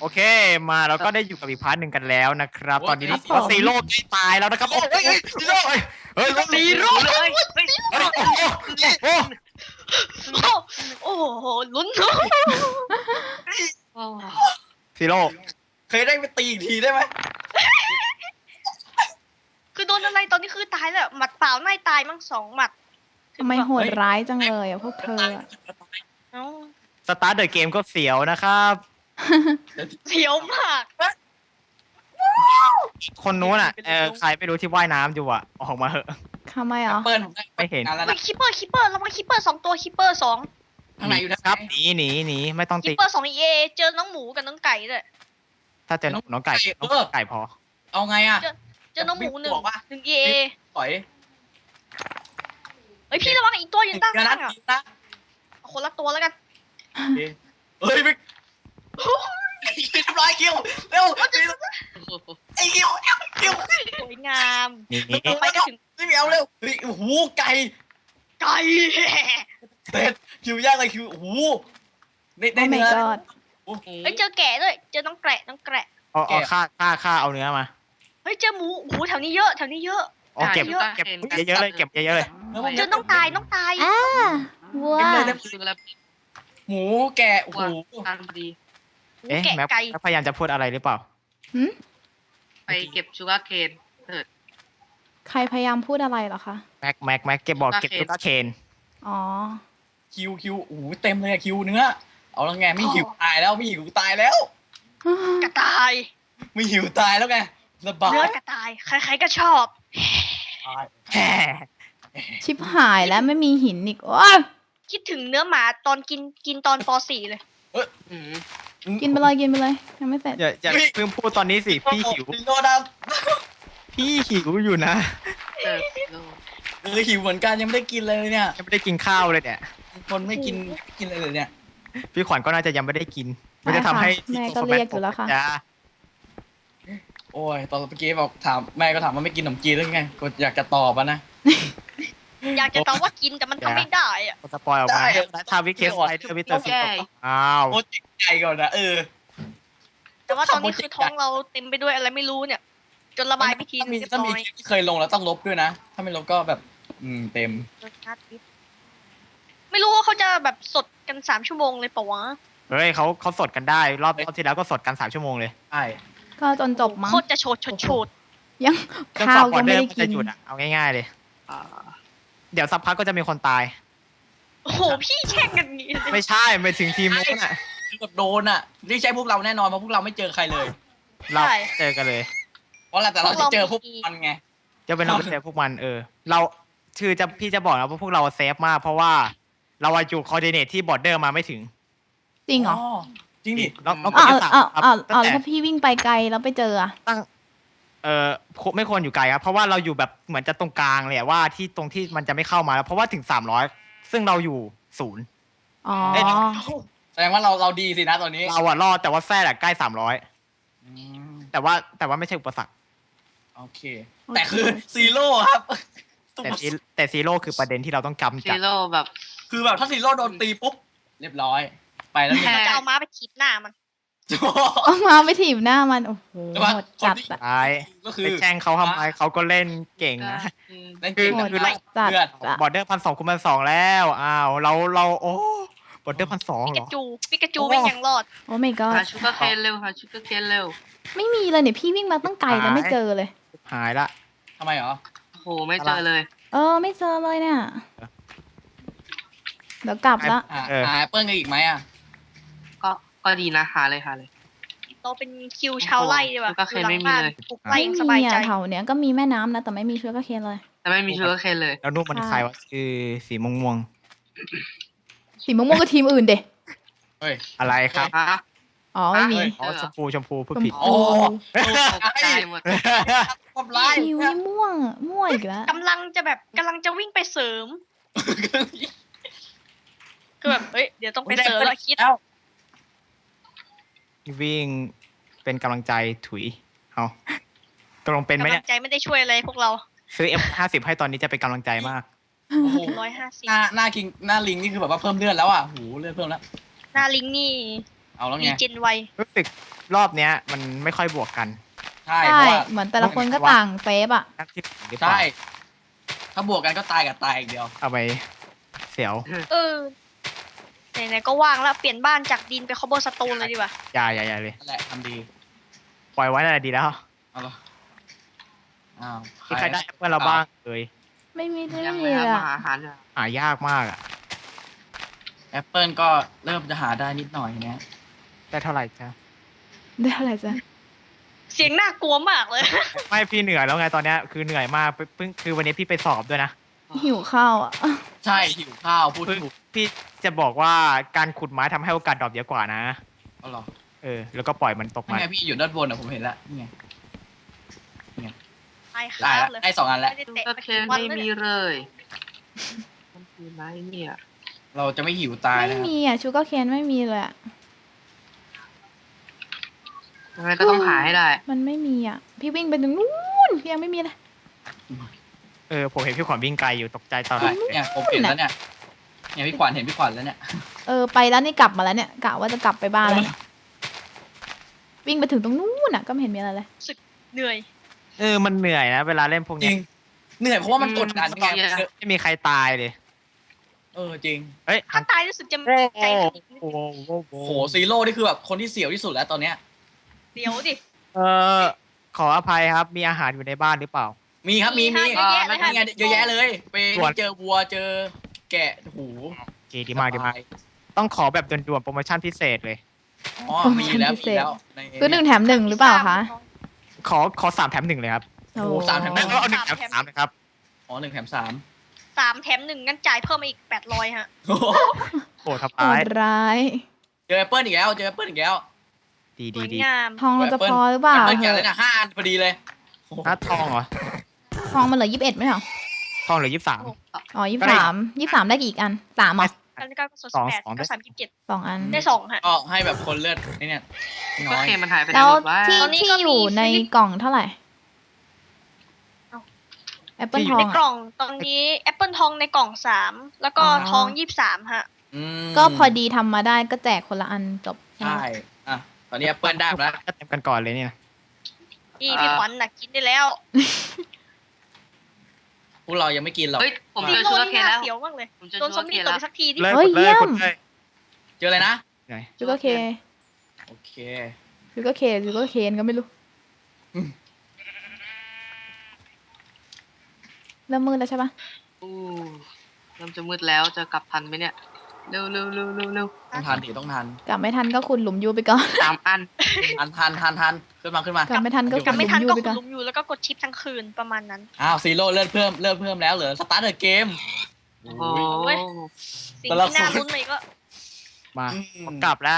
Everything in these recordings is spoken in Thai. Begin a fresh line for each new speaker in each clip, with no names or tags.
โอเคมาเราก็ได้อยู่กับอีกพาร์ทหนึ่งกันแล้วนะครับตอนนี้
ครับผม
ซีโร่ใกล้ตายแล้วนะครับโอ้ยซีโร่เฮ้ย
ซีโร่เลย
โอ้โห
โอ้โหลุ้นโอ้
ซีโร่
เคยได้ไปตีอีกทีได้ไหม
คือโดนอะไรตอนนี้คือตายแล้วหมัดเปล่าไม่ตายมั้ง2 หมัด
ทำไมโหดร้ายจังเลยอ่ะพวกเธออะ
เอ้า
สตาร์ทเดอะเกมก็เสียวนะครับ
เสียวมาก
คนนู้นอ่ะใครไม่รู้ที่ว่ายน้ำอยู่อ่ะออกมาเหอะ
ทำไมอ่ะ
เปิ้ลผมได้
ไม่เห็น
งานแล้ว
เฮ้
นะ
ยคิปเปอร์ระวังคิปเปอร์2 ตัวคิปเปอร์2
ข้างในอยู่นะ
ครับหนีไม่ต้อง
คิ
ตี
ปเปอร์2เอเจอน้องหมูกับน้องไก่ด้วย
ถ้าเจอน้องไก่ไก่พอ
เอาไงอ่ะ
เจอน้องหมู1
บอกว่า
1เอ
ถอย
เฮ้ยพี่ระวังอีกตัวอยู่ด้าน
เดี๋ยว
ล่า
นะ
งอ่ะ
นะ
เอาคนละตัวแล้วกัน
เฮ้ยไม่ทำลายคิวเร็วไอ้คิวคิว
สวยงาม
นี่
ไปก็ถึง
ไม่เอาเร็วเฮ้ยโอ้โหไก่
ไก่
เด็ดคิวยากเลยคิวโอ้โหได้
โอ้ my
เนื้อ
god
เฮ้ยเจอแกะด้วยเจอน้องแกะ
เอาฆ่าเอาเนื้อมา
เฮ้ยเจอหมูโอ้โหแถวนี้เยอะ
เก็บเยอะเลยเก็บเยอะเลย
เจอน้องตาย
อ่าวัว
หมูแกะโอ้โห
แกะ
แม็ก
ไก่
พยายามจะพูดอะไรหรือเปล่า
ไปเก็บชูการ์เคน
ใครพยายามพูดอะไรเหรอคะ
แม็กเก็บบอกเก็บตุ๊กตาเคน
อ๋อ
คิวโอ้โหเต็มเลยอะคิวเนื้อเอาแล้วไงไม่หิวตายแล้วไม่หิวตายแล้ว
กระต่าย
ไม่หิวตายแล้วไงสบาย
เนื้อกระต่ายใครๆก็ชอบ
แฮ่
ชิบหายแล้วไม่มีหินอีกโอ้ย
คิดถึงเนื้อหมาตอนกินตอนป .4 เลย
กินไปเลยยังไม่เสร็จ
อย่าเพิ่งพูดตอนนี้สิพี่หิว
โดนนะ
พี่หิวอยู่นะ
หิวเหมือนกันยังไม่ได้กินเลยเนี่ย
ยังไม่ได้กินข้าวเลยเนี่ย
คนไม่กินอะไรเลยเนี่ย
พี่ขวัญก็น่าจะยังไม่ได้กินไม่ได้ทำให้
แม่ก็เรียกอยู่แล้วค่ะ
จ้า
โอ้ยตอนเมื่อกี้บอกถามแม่ก็ถามว่าไม่กินขนมจีนหรือไงก็อยากจะตอบอะนะ
อยากจะตอบว่ากินแต่มันทำไม่ได้อะ
สปอยออกมา
ได้
แล้วทาวิเคสไลเดอร์วิเตอร์สิอ้าว
โอ้จิตใจก่อนนะ
แต่ว่าตอนนี้คือท้องเราเต็มไปด้วยอะไรไม่รู้เนี่ย จนระบายไปทีนึงเรียบ
ถ้า
ร้
มี
อย
คลิปที่เคยลงแล้วต้องลบด้วยนะ ถ้าไม่ลบก็แบบเต็ม
ไม่รู้ว่าเขาจะแบบสดกัน3 ชั่วโมงเลยปะวะ
เฮ้ยเขาสดกันได้รอบที่แล้วก็สดกัน3 ชั่วโมงเลย
ใช่
ก็จนจบมั้ง
โคตรจะโฉด
ยัง
จน
ข้าว
บอ
ก็
ร์เด
ไม่
อร์
ได้
มัน
กิ
จะ
น
หยุดอ่ะเอาง่ายๆเลย เดี๋ยวสักพักก็จะมีคนตาย
โอ้โหพี่แช่งกันงี้
ไม่ใช่ไปถึงทีมนู้นอ่ะ
คือแบบโดนอ่ะนี่ใช่พวกเราแน่นอนเพราะพวกเราไม่เจอใครเลย
เราเจอกันเลย
เพราะอะไรแต่เราจะเจอพวกมันไง
จะเป็นเราเจอพวกมันเราพี่จะบอกนะว่าพวกเราเซฟมากเพราะว่าเราอยู่คอร์ดิเนตที่บอร์เดอร์มาไม่ถึง
จริงเหรอ
จริงดิ
เรา
อ้าว
จะสา
อ้าว
ตั้ง
อ้าว
แต่
แล้วพี่วิ่งไปไกลแล้วไปเจออะ
ไม่ควรอยู่ไกลครับเพราะว่าเราอยู่แบบเหมือนจะตรงกลางเลยว่าที่ตรงที่มันจะไม่เข้ามาแล้วเพราะว่าถึง300ซึ่งเราอยู่0
อ๋อ
แสดงว่าเราดีสินะตอนนี้
เราอะรอดแต่ว่าแซ่ใกล้300แต่ว่าไม่ใช่อุปสรรค
โอเค แต่คือซีโร่ครับ
แต่ซีโร่คือประเด็นที่เราต้องกำ
ซี
จัด
โร่แบบ
คือแบบถ้าซีโร่โดนตีปุ๊บเรียบร้อย ไปแล้วเนี่ย
เราจะเอาม้าไปขีดหน้ามัน
เอามาไปถีบหน้ามันโอ้โหโหดจัดอะ
ท้าย
ก็คือ
ไปแช่งเขาทำไมเขาก็เล่นเก่งนะ
นั่น
คื
คือ อ
คือ
โหดจัดอะ
บอร์เดอร์1,200 คูณ 1,200แล้วอ้าวเราโอ้บอร์เดอร์1,200
ปิ
เหร
กา
อ
จูปิกาจูไม่ยังรอด
โอ้ my
หา
god
ชูการ์เคนเร็วหาชูการ์เคนเร็ว
ไม่มีเลยเนี่ยพี่วิ่งมาตั้งไกลแล้วไม่เจอเลย
หายละ
ทำไมเหรอ
โอ้โหไม่เจอเลย
ไม่เจอเลยเนี่ยเดี๋ยวกลับละ
หาแอปเปิ้ลกันอีกไหมอ่ะ
ก็ดีนะหาเลย
เราเป็นคิวชาวไร่ดีกว่า
โอ้โห
อยู่หลังบ้าน
ไม่มีเลย
ปลูกไร่
ไม่
ยังส
มี
บายใจ
อะแถวเนี้ยก็มีแม่น้ำนะแต่ไม่มีเชื้อกระเคนเลย
แต่ไม่มีชูการ์เคนเลย
แล้วนุ่มมันใครวะคือสีม่วง
สีม่วงๆก็ทีมอื่นเด็
เฮ้ย
ๆอะไรครับ
ฮะ
อ๋อไม่มี
เฮ้ย
อ๋อชมพูพูด
ชม
ผิด
พู
โอ้
ตกใจหมด
ทำร้าย
คิวนี่ม่วงอีกแล้ว
กำลังจะวิ่งไปเสริมคือแบบเฮ้ยเดี๋ยวต้องไปเสริมแล้วคิด
แล้ว
วิ่งเป็นกำลังใจถุยเอาตกลงเป็นไหม
กำลั
เนี่
ง
ย
ใจไม่ได้ช่วยอะไรพวกเรา
ซื้อ F50 ให้ตอนนี้จะเป็นกำลังใจมาก
โอ้โห
150
หน้าคิงหน้าลิงนี่คือแบบว่าเพิ่มเลือดแล้วอ่ะโหเลือดเพิ่มแล้ว
หน้าลิงนี่
เอเอาแล้ว
มี
ไง
เจนไว
รู้สึกรอบเนี้ยมันไม่ค่อยบวกกัน
ใช่เพ
ใช่
ราะว่า
เหมือนแต่ละคนก็ต่างเซฟอ่ะ
นักที่หรือเปล่า
ใช่ถ้าบวกกันก็ตายกับตายอีกเดียว
เอาไปเสียว
ไหนๆก็ว่างแล้วเปลี่ยนบ้านจากดินไปคอเบอร์สโตนเลยดีกว่า
อย่าเลย
นั่นแหละทำดี
ปล่อยไว้นั่นแหละดีแล้ว
เอาละอ้าว
มีใครได้แอปเปิลเราบ้างเลย
ไม่มี
ยัง
ไม่
ไม่
มี
ทำ
เลยอะ
อาหารเลย
หายากมากอ่ะ
แอปเปิลก็เริ่มจะหาได้นิดหน่อยนะ
ได้เท่าไหร่จ้ะ
ได้อะไรจ้ะ
เสียงน่ากลัวมากเลย
ไม่พี่เหนื่อยแล้วไงตอนเนี้ยคือเหนื่อยมากเพิ่งคือวันนี้พี่ไปสอบด้วยนะ
หิวข้าวอ่ะ
ใช่หิวข้าวพูด
เพิ่ง
ถูก
พี่จะบอกว่าการขุดไม้ทำให้โอกาสดรอปเยอะกว่านะ
เอาเหรอ
แล้วก็ปล่อยมันตก
นี่
มา
ไงพี่อยู่ด้านบนอ่ะผมเห็นแล้วนี่ไง
ไอ้ค
ได้
รับ
แล้ว
เลย
ได้2 อันแล้ว
ไม่ได้
ชู
เตะ
การ์
มา
เค
กี่
น
วัน
ไม่
แล้ว
มี
เนี่ย
เลยมันคือไรเนี่ย
เราจะไม่หิวตาย
ไม่
นะครับ
มีอ่ะชูการ์เคนไม่มีเลยอ่ะ
ยังไงก็ต้องหาให้ได้
มันไม่มีอ่ะ พี่วิ่งไปถึงนู้นพี่ยังไม่มีเลย
ผมเห็นพี่ขวัญวิ่งไกลอยู่ตกใจตอน
ใช่
แรก
เนี่ยผมเห็นแล้วเนี่ยเนี่ยพี่ขวัญเห็นพี่ขวัญแล้วเนี่ย
ไปแล้วนี่กลับมาแล้วเนี่ยกะว่าจะกลับไปบ้านแล้วเนี่ยวิ่งไปถึงตรงนู้นอ่ะก็ไม่เห็นมีอะไรเลย
เหนื่อย
มันเหนื่อยนะเวลาเล่นพวก
จ
เนี้
ริ
ย
งเหนื่อยเพราะว่ามันกดดันไง
ไม่มีใครตายเลย
จริง
เฮ้ย
ถ้าตายรู้สึกจะ
โอ้
ใจถึง
โห
โหซีโร่นี่คือแบบคนที่เสียวที่สุดแล้วตอนเนี้ย
เดี๋ยวดิ
ขออภัยครับมีอาหารอยู่ในบ้านหรือเปล่า
มีครับมี
เยอะแยะเลยค่ะ
นี่ไงเยอะแยะเลยไป
ส่วน
เจอวัวเจอแกะหู
โอเคดีมากต้องขอแบบด่วนๆโปรโมชั่นพิเศษเลย
อ๋อมีแล้วมีแล้วใน
คือ1 แถม 1หรือเปล่าคะ
ขอ3 แถม 1เลยครับ
โอ้โห3 แถม
แล้วก็เอา1 แถม 3นะครับ
อ๋อ1 แถม 3
3 แถม 1งั้นจ่ายเพิ่มมาอีก800ฮะ
โอ้โห
โอ้ทับ
โห
ร้าย
ดร้าย
เจอแอปเปิลอีกแล้วเจอแอปเปิลอีกแล้ว
ดี
สวย
ดี
งาม
ทองเราจะพอหรือเปล่า
แอปเปิลแกะเลยนะ5 อันพอดีเลยโอ้โห
หน้าทองเหรอ
ทองมันเหลือ21ไม่เหรอ
ทองเหลือ23
อ๋อ23ได้กี่อีกอัน3อ่ะ
กันก็สด
สอง
8
สอง
ก็37
2 อัน
ได้2ฮะ
ก็ให้แบบคนเลือดนี่เนี่ย
ชู
น้
การ์
อย
เคนมันหายไปไหน
แล้ว
หมดวะ
ที่
ตอนนี้
ที่
ก็มี
อยู่ในกล่องเท่าไหร่แอปเปิลทอง
ในก
อ่ะ
ล่องตอนนี้แอปเปิลทองในกล่อง3แล้วก็
อ๋อ
ทอง23ฮะ
ม
ก็พอดีทำมาได้ก็แจกคนละอันจบ
ใช่อ่ะตอนนี้แอปเปิลได้มาแล้ว
ก็เต็มกันก่อนเลยเนี่ย
นี่พี่ขวัญน่ะกินได้แล้ว
พวกเรายังไม่กินหรอก
เฮ้ยผม
ซี
เจอ
โร่
ชูการ์
นี่
เคนแล้ว
น่าเสียวมากเลย
ผมเจอ
โดนซ
ชู
อม
การ์เค
บี้
น
ตบ
แล้ว
ไปสักทีดิ
เลย
เฮ้ย
กดเลย
เยี่ยม
กดเลย
เจออะไรนะ
เหนื่อย
ยูก็เค
โอเค
ยูก็เคนก็ไม่รู้
อืม
เริ่มมืดแล้วใช่ปะ
อู้เริ่มจะมืดแล้วจะกลับทันไหมเนี่ย เร็วเร็วเร็วเร็วเร็ว
ต้องทันดิต้องทัน
กลับไม่ทันก็ขุดหลุมยูไปก่อน
3 อัน
ทันขึ้นมาก
ลับไม่ทันก็
อยู่
ขุ
กลั
ด
บ
ห
ไม่
ลุ
ทัน
มยู
ก็
ไป
ขุ
ก่
ด
อน
หลุมอยู่แล้วก็กดชิปทั้งคืนประมาณนั้น
อ้าวซีโร่เลือดเพิ่มแล้วเหรอสตาร์ทเกม
โอ้โห
เว้ย สิ่ง
แต่ละ
ที่น่า
คน
รุ้นเลยก็
มาผมกลับแล้ว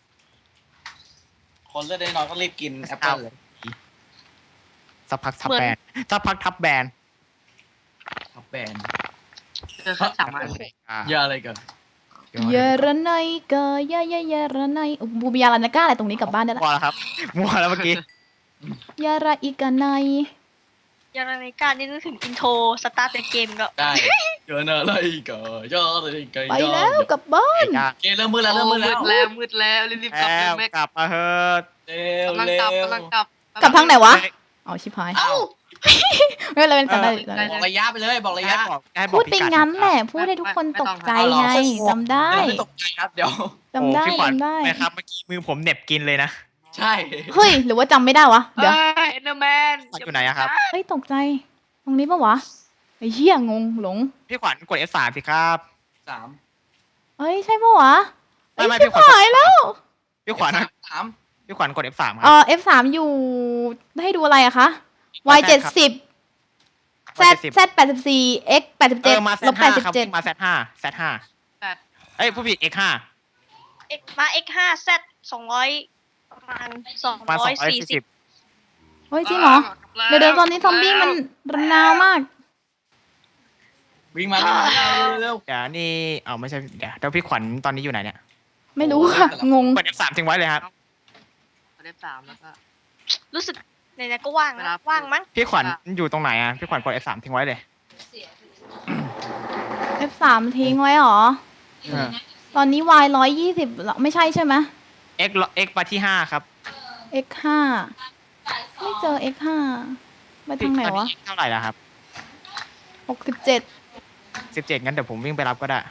คนเลือดได้น้อยก็รีบกินแอปเปิลเลย
สักพักทับแบนสักพักทับแบน
ทับแบน
เจอแค่3 อัน
เยอะอะไรกัน
เยาระไนกะเยาระไนบูบิยาลานาก้าอะไรตรงนี้กลับบ้านได้ละ
มัวแล้วครับมัวแล้วเมื่อกี้
ยาระอีกาไน
ยาราในการนี่นึกถึงอินโทรสตาร์ทเกมก็
ได้เกินอะไรกันเยอะอะไรกัน
ไปแล้วกลับบ้าน
ยาก
เกมเริ่มมืดแล้วเริ่มมืดแล้ว
มืดแล้วรีบๆกลับ
แล้
เลยว แม็ก
กลับมาเถอะ
เร็ว
กำลัง
เร็
กลับ
ว
กำลังกลับ
กลับทางไหนวะอ๋อชิบหาย
เอ้า
ไม่เป็นไรเป็นจำได้
บอกระยะไปเลยบอกระยะ
ให้บ
พู
อก
ด
พิ
ไป
กัด
งั้นแหละพูดให้ทุกคนตกใจไงจำได้
ไม่ตกใจครับเดี๋ยว
จำได้
โอ้พี่ขวัญ
จำได้
นะครับเมื่อกี้มือผมเหน็บกินเลยนะ
ใช่
เฮ้ยหรือว่าจำไม่ได้วะเดี๋ยว
เอ็นเดอร์แมน
อยู่ไหนอะครับ
เฮ้ยตกใจ ตรงนี้ปะวะไอ้เหี้ยงงหลง
พี่ขวัญกด F3 สิครับ
3
เอ้ยใช่ปะวะเอ้ย
ไม่
ชิบ
พี่ขวัญ
หายแล้ว
พี่ขวัญ
3
พี่ขวัญกด F3 ครั
F3 อยู่ให้ดูอะไรอะคะ Y 70 Z Z 84 X 87
มา
ลบ
Z5 ครับ
87
มา Z5 เอ้ยผู้ผิด X5
มา X5 Z 200ประมาณ
มา
240
240
เฮ้ยจริงเหรอ เดี๋ยวตอนนี้ซอมบี้มันระนาวมาก
วิ่งมาเร็ว
เดี๋ยวนี่ไม่ใช่เดี๋ยวพี่ขวัญตอนนี้อยู่ไหนเนี่ย
ไม่รู้ค่ะ งง
กด F3 ทิ้งไว้เลยครับ
เล็บ3แล้วก็
รู้สึกไหนๆก็ว่าง
เว
นะ
ลา
ว่างมั้ง
พี่ขวัญอยู่ตรงไหนอะพี่ขวัญกด F3 ทิ้งไว้เลย
F3 ทิ้งไว้เหรอ ตอนนี้ Y 120ไม่ใช่ใช่ไหม
X มาที่ห้าครับ
X5 ไม่เจอ X5 ไปทางไหนวะ
ตอ X เท่าไหร่แล้วครับ
67
17งั้นเดี๋ยวผมวิ่งไปรับก็ได้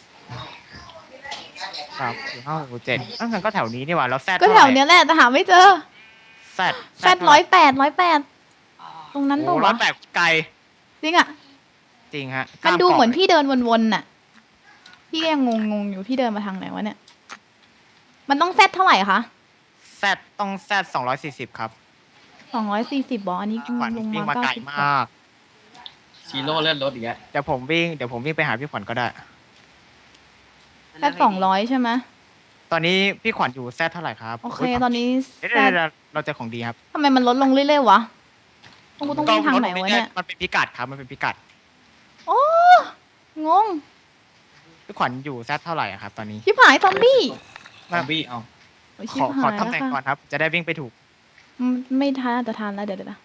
ครับ7งั้นก็แถวนี้นี่หว่าแล้วแซด
ก็แถวเนี้ยแหละแต่หาไม่เจอ
แซด
แซด108 ตรงนั้นปะ
ร้อ
วะ
ยแปดไกล
จริงอ่ะ
จริงฮะ
มันดู
ข้ากาะ
เหมือนพี่เดินวนๆน่ะ พี่ก็ยังงงๆอยู่พี่เดินมาทางไหนวะเนี่ย มันต้องแซดเท่าไหร่คะ
แซดต้องแซด240ครับ
240บออันนี้
ขวัญ
ลง
วิ่ง
มา
มาไกลมาก
ซีโร่เลื่อนรถอีกแล้ว
เดี๋ยวผมวิ่งไปหาพี่ขวัญก็ได้
แซด200ใช่ไหม
ตอนนี้พี่ขวัญอยู่แซดเท่าไหร่ครับ
โอเค
ย
ตอนนี้
เดี๋ยว
แซด
เราเจอของดีครับ
ทำไมมันลดลงเรื่อยๆวะกูต้องวิ่งทางไหนวะเนี่ย
มันเป็นพิกัดครับมันเป็นพิกัด
โอ้งง
พี่ขวัญอยู่แซดเท่าไหร่อะครับ ตอนนี้
ชิบหายซอมบี้
ซอมบี้เอา
โอ้ย
ข
ชิบ
อ
หาย
ตำแหน่ง
แล้ว
ก่อ
ค่ะ
นครับ จะได้วิ่งไปถูก
ไม่ทันจะทันแล้วเดี๋ยวนะ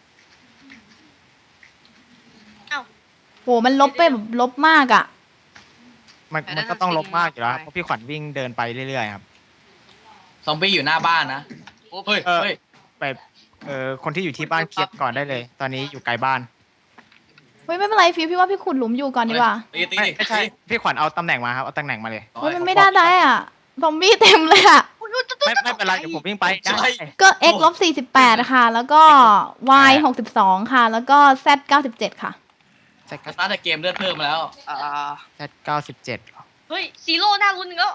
เอ้า
โหมันลบไปแบบลบมากอ่ะ
มันก็ต้องลบมากอยู่แล้วครับเพราะพี่ขวัญวิ่งเดินไปเรื่อยๆครับ
ซอมบี้อยู่หน้าบ้านนะเฮ้ยเฮ้ย
ไปคนที่อยู่ที่บ้านเคลียร์ก่อนได้เลย ตอนนี้อยู่ไกลบ้าน
เฮ้ยไม่เป็นไรฟิวพี่ว่าพี่ขุดหลุมอยู่ก่อนดีกว่า
ตี
ไม่ใช่พี่ขวัญเอาตำแหน่งมาครับเอาตำแหน่งมาเลย
เฮ้ยมันไม่ได้ได้อ่ะ ซอมบี้เต็มเลยอ่ะ
ไม่เป็นไรเดี๋ยวผมวิ่งไปได้
ก็ x ลบ48ค่ะ แล้วก็ y 62ค่ะ แล้วก็ z 97ค่ะ
แซด
สตาร์ทเกมเลือดเพิ่มมาแล้ว
แซด97เหรอ
เฮ้ยซีโร่หน้ารุ่นหนึ่งแล้ว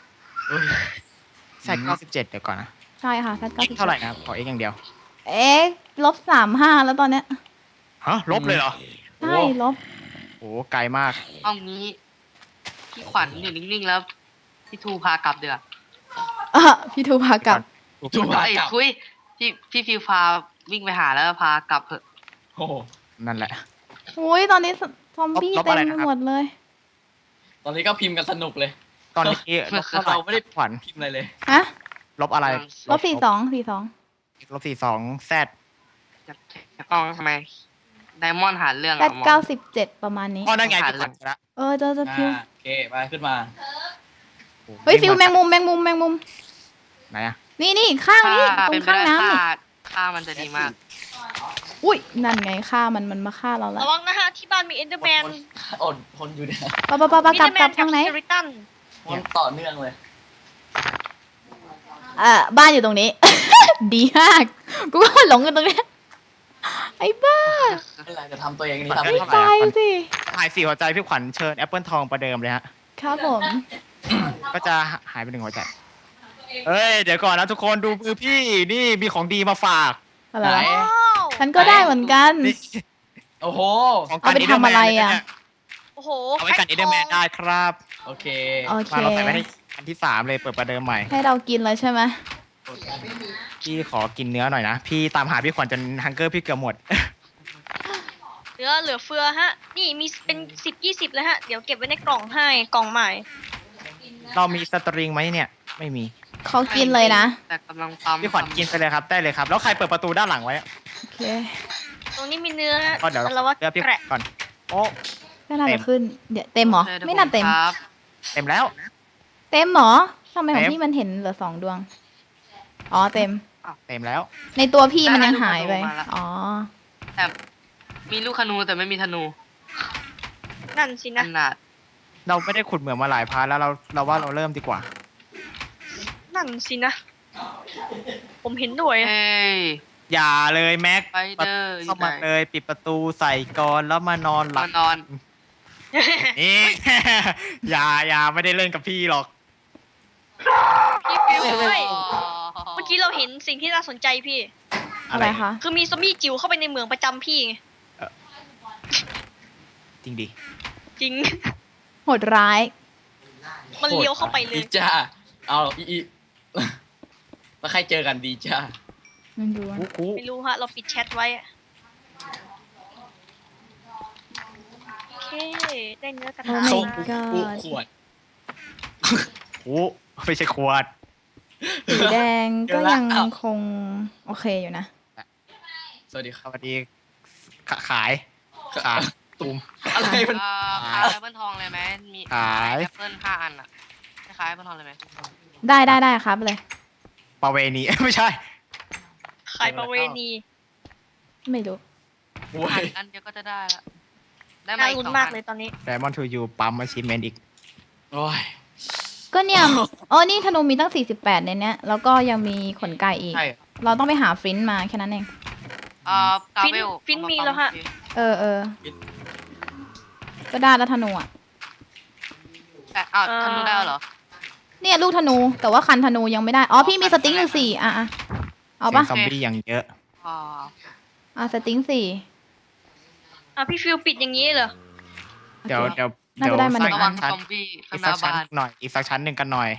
แซด97เดี๋ยวก่อนนะ
ใช่ค่ะ z
เท่าไหร่นะครับขอ x อย่างเดียว
x ลบ35แล้วตอนเนี้ย
ฮะลบเลยเหรอ
ใช่ลบ
โอ้ไกลมาก
เอางี้พี่ขวัญอยู่นิ่งๆแล้วพี่ทูพากลับเดือ
พี่ทูพากลับ
จูบา
ไอ้
กลับ
คุยพี่ฟิวพาวิ่งไปหาแล้วพากลับเถอะ
โอ้โห
นั่นแหละ
อุ้ยตอนนี้ซอมบี้
ลบ
เต็
อะ
ม
ไร
ไป
นะครับ
หมดเลย
ตอนนี้ก็พิมพ์กันสนุกเลย
ตอนนี้ลบเท่าไหร่
เราไม่ได้
ขวัญ
พิมพ์อะไรเลย
ฮะ
ลบอะไร
ลบ42
ลบ42แซด
จะกล้องทำไมไดมอนด์หาเรื่อง
z
อะมอง
97ประมาณนี้
อ๋อนั่นไงพี่ขวัญเจอละ
เจอฟิว
โอเคไปขึ้นมา
เฮ้ยฟิวแมงมุม
ไหนอะ
นี่ข้างนี้ตร
เป็น
ง
ไป
ข้าง
ได้
น้ำนี่
ค่ามันจะดีมาก
อุ้ยนั่นไงฆ่ามันมาฆ่าเราแล้ว
ระวังนะฮะที่บ้านมีเอนเดอร์แมน
อดทนอยู่เนี่ย
ปะกลับทางไหน
สเกลิตัน
มันต่อเนื่องเลย
บ้านอยู่ตรงนี้ ดีมาก กูก็หลงกันตรงเนี้ยไอ้บ้า
ไม่เป็นไรจะทำตัวเองนี่
มัน
ทำ
ก็
ไม่
เท่าไหร่
ตาย
อะ
สิ
หาย4หัวใจพี่ขวัญเชิญแอปเปิลทองประเดิมเลยฮะ
ครับผม
ก็จะหายไป1หัวใจ เฮ้ย เดี๋ยวก่อนนะทุกคนดูมือพี่นี่มีของดีมาฝาก
อะไร
ไหน
วะ
ว้าว
ฉันก็ได้เหมือนกัน
นี่
โอ้โห
ของ
เอาไปทำอะไรอะ
โอ้โห
เอาไว้กันเอเดอร์แมนได้ครับ
โอเค
โอเค
มาเราใส่ไว้ในอันที่3เลยเปิดประเดิมใหม่
ให้เรากินเลยใช่ไหม
พี่ขอกินเนื้อหน่อยนะ พี่ตามหาพี่ขวัญจนฮังเกอร์พี่เกือบหมด
เหลือเฟือฮะ นี่มีเป็น10-20เลยฮะ เดี๋ยวเก็บไว้ในกล่องให้กล่องใหม่
เรามีสตริงไหมเนี่ย ไม่มี
เขากินเลยนะ
แต่กำลังปั๊ม
พี่ขวัญกินไปเลยครับได้เลยครับ แล้วใครเปิดประตูด้านหลังไว้อะ
โอเค
ตรงนี้มีเนื้อฮะ
ก็เดี๋ยว
แล้วว่า
เลือกพี่
แกะ
ก่อน โอ้
ไม่น่า
เต็
จะ
ม
ขึ้น เดี๋ยวเต็มเหรอ ไม่น่าเต็ม
ครับ
เต็มแล้ว
เต็มเหรอทำไมของ
เต็ม
พี่มันเห็นเหลือ2 ดวง อ๋อเต็ม
เต็มแล้ว
ในตัวพี่มันยังหายไป อ๋อ
แต่มีลูกธนูแต่ไม่มีธนู
นั่นสิ
ข
นะ
นาด
เราไม่ได้ขุดเหมืองมาหลายพาร์ทแล้วเราว่าเราเริ่มดีกว่า
นั่นสินะ ผมเห็นด้วย
เอ้ย
อย่าเลยแม็ก
ไปเดอร์อ
เข้า
ยู่ไหน
มาเลยปิดประตูใส่กรอนแล้วมานอนหลั
มา
บ
นอน
นี่ อย่าไม่ได้เล่นกับพี่หรอก
พี่ฟิวเฮ้ยเมื่อกี้เราเห็นสิ่งที่น่าสนใจพี่
อะไรคะ
คือมีซอมบี้จิ๋วเข้าไปในเมืองประจำพี่ไง
จริงดิ
จริง
โหดร้าย
มันเลี้ยวเข้าไปเล
ดี
ย
จ้าเอาอีแล้วใครเจอกันดีจ้า
มันดูอะ
กู
ไม่รู้ฮะ เราปิดแชทไว้อะโอเค ได้เนื้อกระ
โอ้
ทะ
my
โซ่
มา
กูขวด
กูไม่ใช่ขวด
สีแดงก็
เดี๋ยวละ
ยัง
อ้าว
คงโอเคอยู่นะ
สวัสดีค
ส
รับ
วัสดีขายตูม
อะไรมัน
ขายแอปเปิลทองเลยไหมมี
ขาย
แอปเปิล5 อันอะขายแอปเปิลทองเลยไหม
ได้ครับเลย
ประเวณี ไม่ใช่
ขายประเวณี
ไม่รู้
โอ้
ผ่าน
ย
อันเดียวก็จะได้ละได้มา
น่า
อีก
ลุ้น
2
มาก
อัน
เลยตอนนี้
Diamond to you ปั๊ม achievement อีก
โอ้ย
ก็เนี่ยอ๋อนี่ธนูมีตั้ง48ในเนี้ยแล้วก็ยังมีขนไก่อีก
ใช่
เราต้องไปหาฟรินต์มาแค่นั้นเอง
กาเวล
ฟินมีแล้วฮะ
เออก็ได้แล้วธนูอ่ะ
แต่ธนูได้เหรอ
เนี่ยลูกธนูแต่ว่าคันธนูยังไม่ได้อ๋อพี่มีสติ๊งอยู่4อ่ะเอาปะ
เสียงซอมบี้อย่างเยอะ
สติ๊ง4
พี่ฟิวปิดอย่างนี้เหรอ
เดี๋ยว
โอเค
เดี๋ยว
น่าจะได้มา
สร้าง
ระวัง
ชั้น
ซอมบี้
อี
ข้าง
ก
ห
สั
น้าก
ชั้น
บ้าน
หน่อย อีกสักชั้นหนึ่งกันหน่อย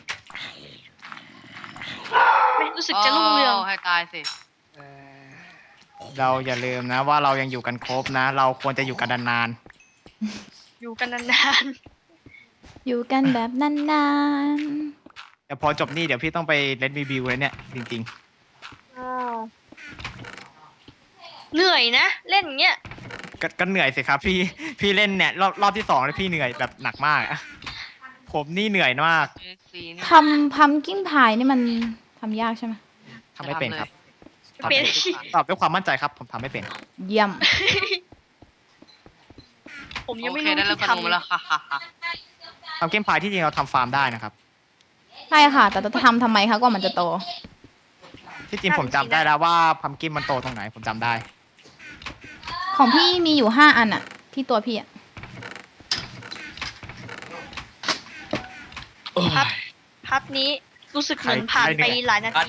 ไม่รู้สึกจะรุ่งเรือง
ให้ตายสิ
เราอย่าลืมนะว่าเรายังอยู่กันครบนะ เราควรจะอยู่กันนาน
อยู่กันนาน
อยู่กันแบบนาน
ๆแต่พอจบนี่เดี๋ยวพี่ต้องไปเล่นรีวิวเลยเนี่ยจริง
ๆเหนื่อยนะ เล่นอย่างเงี้ย
ๆก็เหนื่อยสิครับ พี่เล่นเนี่ยรอบที่2แล้วพี่เหนื่อยแบบหนักมากอะผมนี่เหนื่อยมาก
ซีนี่
ๆทำพัมกิ้งพายนี่มันทำยากใช่ไหม
ทำไม่เป็นครับ
เป็น
ตอบด้วยความมั่นใจครับ ผมทำไม่เป็น
เยี่ยม
ผมยัง
โอ
ไม่
เค
รู้
ได้แล้ว
ที่
กระนูมา
ทำ
แล้วค่ะ
ทำเกมพายที่จริงเราทำฟาร์มได้นะครับ
ใช่ค่ะ แต่จะทำไมคะกว่ามันจะโต
ที่จริงผมจำได้แล้วว่าพัมกินมันโตตรงไหนผมจำได้
ของพี่มีอยู่5อันอะที่ตัวพี่อะ
โอ้ย
พัดนี้รู้สึกเหมือนผ่านไปหลายนาที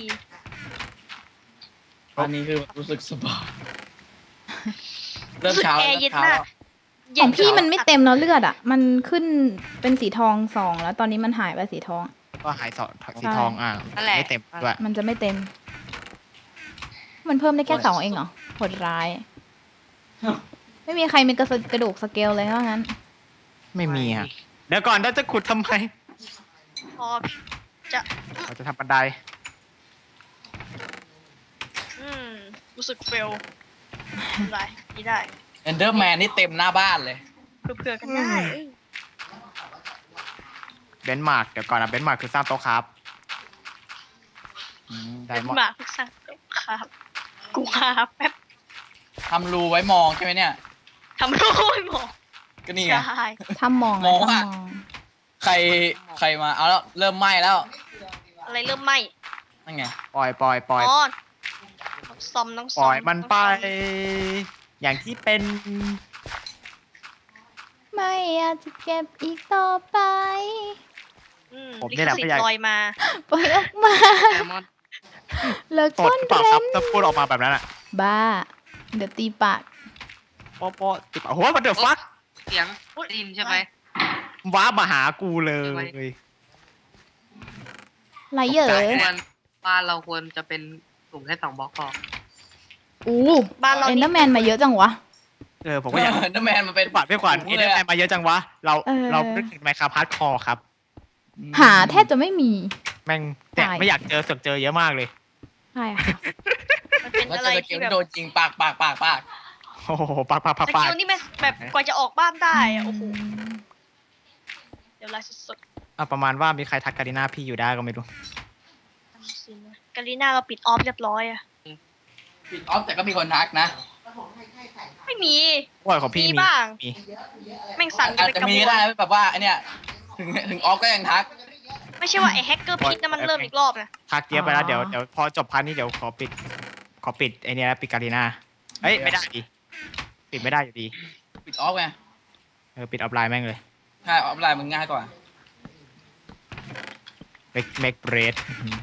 อันนี้คือรู้สึกสบายเริ่ม
รู้สึก
เช้า
แอ
แล้ว
ร์เย็น
เช้า
มาก
แล้ว
ของพี่มันไม่เต็มแล้วเลือดอะมันขึ้นเป็นสีทอง2แล้วตอนนี้มันหายไปสีทอง
ก็หายสีทองไม่เต็มด้วย
มันจะไม่เต็ม มันเพิ่มได้แค่2เองเหรอโหดร้าย ไม่มีใครมีกระดูกสเกลเลยว่างั้น
ไม่มีฮะเดี๋ยวก่อนเราจะขุดทำไม
พอ
เราจะทำบันได
รู้สึกเฟลได้นี่ได้
เอนเดอร์แมนนี่เต็มหน้าบ้านเลย
เผื่อๆกันได้
เบนซ์มาร์กเดี๋ยวก่อนนะเบนซ์มาร์กคือสร้างโต๊ะครับได
เป็น
มอน
หมาพึกษาครับกูหาแป๊บ
ทำรูไว้มองใช่ไหมเนี่ย
ทำรูปหมอ
ก็นี่ไง
ใช่
ถ้ามอง
มอง
ถ้า
อะ
มอง
ใครมา เอาแล้ว เริ่มไหม้แล้ว
อะไรเริ่มไหม
นั่นไง
ปล่อย
อ๋อต้องซ่อมต้อง
ป
ซ่
ล่
อ
อย
ม
มันไป อย่างที่เป็น
ไม่อยากจะเก็บอีกต่อไป
ลิขสิทธิ์ลอยมา
ปล่อยออกมา
แซลมอน
เลิก
ต
ซ่
ด
อน
หรือเปล่า
เร้
ครับ
น
ถ้าพูดออกมาแบบนั้นอะ
บ้า เดี๋ยวตีปาก
โป๊ะโป๊ะติดปากโอ้โหมันเดือดฟัก
เสียงได้ยินใช่ไหม
ว้ามาหากูเลย
ไรเหยอ
ควรบ้านเราควรจะเป็นสูงแค่2 บล็อกพอ
อู้
บ้านเรา
เอ็น
นี่
เดอร์แมนมาเยอะจังวะ
ผมก็อยาก
เอนเดอร์แมนมันเป็น
พี่ขวัญเอ็นเดอร์แมนมาเยอะจังวะ เรา
เออ
เรานึกถึงไมค์คาพาร์ดคอครับ
หาแทบจะไม่มี
แม่งแต่
ตาย
ไม่อยากเจอเสือกเจอเยอะมากเลย
ใช่ค่ะ
มันเป็น
แล้ว
อะไร
เจอเก
ที่
ม
แบบ
โดนจริงปาก
โอ้โหปาก
สกิลนี่แม่แบบกว่าจะออกบ้านได้อะโอ้โหเดี๋ยวไลฟ์สด
ประมาณว่ามีใครทักการิน่าพี่อยู่ได้ก็ไม่รู้
กาลีน่าเราปิดออฟเรียบร้อยอะ
ปิดออฟแต่ก็มีคนทักนะ
ไม่มี
โอ้ยของพี่
มี
มี
บ้าง
มี
แม่งสั่นกั
อาจ
นไป
จะ
กระ
มี
บว
ก็ได้
น
แบบว่าไอเนี่ยถึงออฟก็ยังทัก
ไม่ใช่ว่าไอ้แฮกเกอร์พิษนั่นมันเริ่มอีกรอบนะ
ทักเยอะไปแล้วเดี๋ยวพอจบพาร์ทนี้เดี๋ยวขอปิดไอเนี้ยปิดการิน่าเอ้ยไม่ได้ดิปิดไม่ได้อยู่ดี
ปิดออฟไง
ปิดออฟไลน์แม่งเลย
ใช่ออฟไลน์มันง่ายกว่า
make bread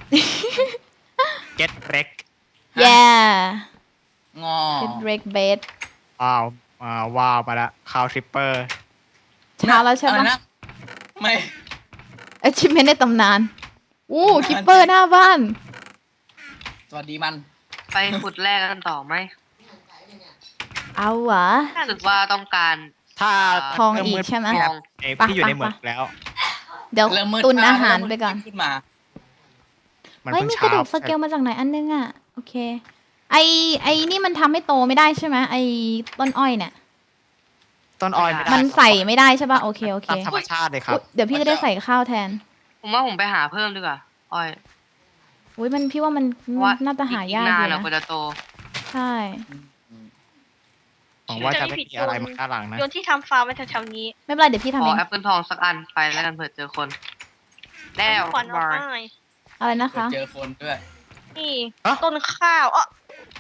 get wreck
แย่
งอ
เป็นเบรกเบส
ว้าวมาละคาวทริปเปอร์
เช้าแล้วใช่
อะไร
ปะ
นะไม่
achievement ในตำนาน อู้คิปเปอร์หน้าบ้าน
สวัสดีมัน
ไปขุดแรกกันต่อไหม
เอาวะ
รู้สึกว่าต้องการ
ถ้า
ทองอีกใช่ไหม
พี่อยู่ในเหมืองแล้ว
เดี๋ยว
เริ่มมืด
ตุน
มก
อาหาร
เมมืด
ไปก่อน
ขึ้นมา
มัน
เฮ้ย
เพิ่ง
มีก
เช้า
ระดูกสเกลมาจากไหนอันนึงอ่ะ โอเค ไอนี่มันทำให้โตไม่ได้ใช่ไหมไอต้นอ้อยเนี่ย
ต้นออยไม่ได้
มันใส่ไม่ได้ใช่ป่ะ โอเค โอเค
ตามธรรมชาติเลยครับ
อุ๊ยเดี๋ยวพี่จะได้ใส่ข้าวแทน
ผมว่าผมไปหาเพิ่มดีกว่าอ้อย
อุ้ยมันพี่ว่ามัน
ว่า
น่าจะหายาก
อีก
อน
าน
ยู่
อะ
นะ
กว่าจะโต
ใช่
หวังว่าจะไม่มีอะไรมาด้านหลังนะ
โยนที่ทำฟาร์มไว้แถวๆนี้
ไม่เป็นไรเดี๋ยวพี่
ข
ทำ
อ
เอง
แอปเปิลทองสักอันไปแล้วกันเผื่อเจอคน แล้ว
ขวัญเอา
บาร์
ไป
อะไรนะคะ
เจอคนด้วย
นี่
ฮะ
ต้นข้าวอ๋อ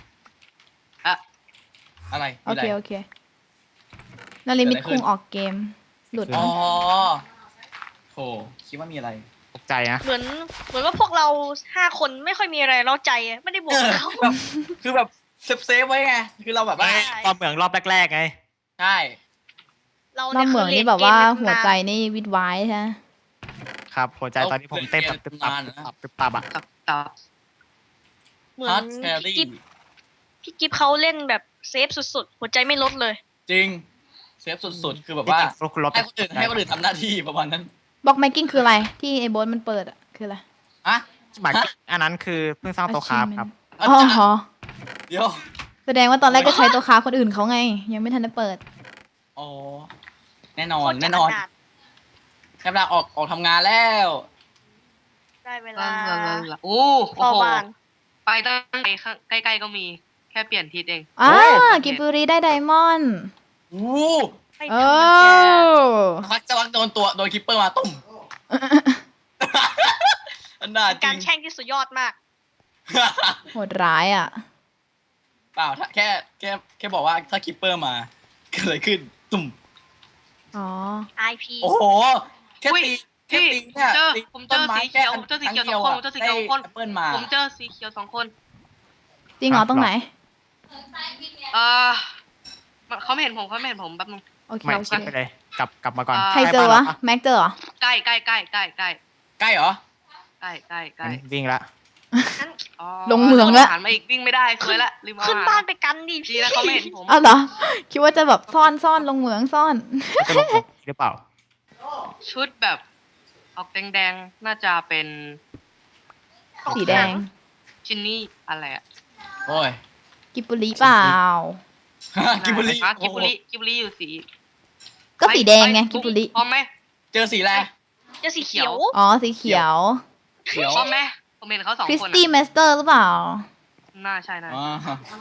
อะไร
โอ
มีะ
เค
ไร
โอเคนาริมิต
เกิดอะไรขึ้
คุ
น
งออกเกม หลุด
อ๋อ
มั้ง
โถคิดว่ามีอะไร
ตกใจนะ
เหมือนว่าพวกเรา5 คนไม่ค่อยมีอะไรเล่าใจอะไม่ได้บวกกับเขา
แบบคือแบบเซฟไว้ไง คือเราแบบว่า
เอ้ยตอนเหมืองรอบแรกๆไง
ใช่
เรา
รอบเหมืองนี่แบบว่าหัวใจ
เ
นี่วิดไว้ใช่ไหม
ครับหัวใจตอนนี้ผมเต้นแบบตึบตับตึบตับตึบตับอะ
ตับตับ
เหมือ
ฮาร์
น
ดแครี่
พี่กิฟเขาเล่นแบบเซฟสุดๆ หัวใจไม่ลดเลย
จริง เซฟสุดๆ คือแบบ
ที่
ว่า
จริงฟลุกลบ
ให้คนอื่นทำหน้าที่ประมาณนั้น
บล็อกแมกกิ้งคืออะไร ที่ไอ้โบสมันเปิดอะคืออะไร
อะ
หมายอันนั้นคือเพิ่งสร้างโต๊ะคราฟครับ
อ๋อเหรอ
เดี๋ยว
แสดงว่าตอนแรกก็ใช้ตัวค้าคนอื่นเขาไง ยังไม่ทันได้เปิด
อ๋อ แน่นอ
โคน ตรจะ
แน่นอน
ขนาด
แค่เวลาออกทำงานแล้ว
ได้เว
ลา
ลา
ลาลาโอ้
พ่อ
โห
บ้าน
ไปตั้งใกล้ๆก็มีแค่เปลี่ยนทิศเอง
อ่า
โอ้
กิบบุรีได้ไดมอนด์
อู้
ไม่
โอ้
ธรรมดา
จะวักโดนคิปเปอร์มาตุ่ม อันน่า
เป็น
จริ
การ
ง
แช่งที่สุดยอดมาก
โหดร้ายอ่ะ
เปล่าถ้าแค่บอกว่าถ้าคิปเปอร์มาเกิดอะไรขึ้น ตุ่ม
อ๋อ
IP
โอ้โห แค่
อุ๊ย
ตีแค่
พี่
ตีเนี่ย
ผมเจอสีเขียวผมเจอสีเขียวสองคนผมเจอสีเขียวสองคน
แอปเปิลมา
ผมเจอสีเขียว2 คน
จริงเหรอตรงไหน
เออเขาไม่เห็นผมแป๊บนึง
โอเค
ไม่
โอเค
ชิปไปเลย กลับมาก่อน
ใครเจอวะ แม็กเจอเหรอ
ใกล้
ใกล้เหรอ
งั้นวิ่งละ
อ๋อ
ลงเหมืองละ
หันมาอีกวิ่งไม่ได้สวยละลืมเอา
ขึ้น
อาหาร
บ้านไปกันดิ
ดี
พี่
นะเขาไม่เห็นผม
อ้าวเหรอ คิดว่าจะแบบซ่อนลงเหมืองซ่อน
จะลงของหรือเปล่า
ชุดแบบออกแดงๆน่าจะเป็น
สีแดง
ชินนี่อะไรอะ
โอ้ย
กิบบุรีเปล่า
กิบุรี
อ่ะกิบบุรีอยู่สี
ก็สีแดงไง
ป
กิบบุรี
พร้อมไหม
เจอสีอะไร
เจะสีเขียว
อ๋อ สีเขียว
เขียว
พร้อมไหมผมเห็นเขา2
คริส
คน
ตี้
อะ
เมสเตอร์หรือเปล่า
น่าใช่นะ
อ๋อ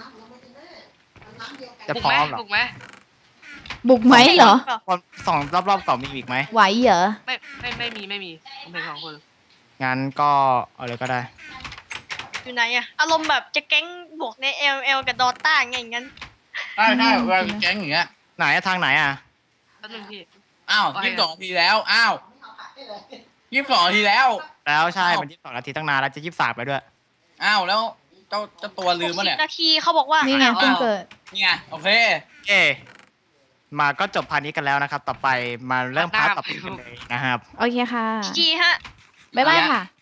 จะ
บุก
พร้
ไหม
อมเหรอ
บุกไหม
บุกไหมเหรอ
คนสองรอบๆก่อนมีอีกไหม
ไหวเหรอ
ไม่มีผมเห็น2 คน
งั้นก็เอาเลยก็ได้
อยู่ไหนอะอารมณ์แบบจะแก๊งบวกใน LL กับดอต้าไงอย่างนั้น
ใช่เวลาแก๊งอย่างเงี้ย
ไหนอะทางไหนอะ
แป๊บนึงพี่
อ้าว
ว่าไง
22 นาทีแล้ว อ้าว22 นาทีแล้ว
แล้วใช่ มัน22 นาทีตั้งนานแล้วจะ23ไปด้วย
อ้าวแล้วเจ้าตัวลืมปะเนี่ย
60 นาทีเขาบอกว่า
นี่ไง
อ้าว
เพิ่งเกิด
นี่ไงโอเค
เอมาก็จบพาร์ทนี้กันแล้วนะครับ ต่อไปมาเริ่มพาร์ทต่อไปกันเลยนะครับ
โอเคค่ะ
จีฮะ
บ๊ายบายค่ะ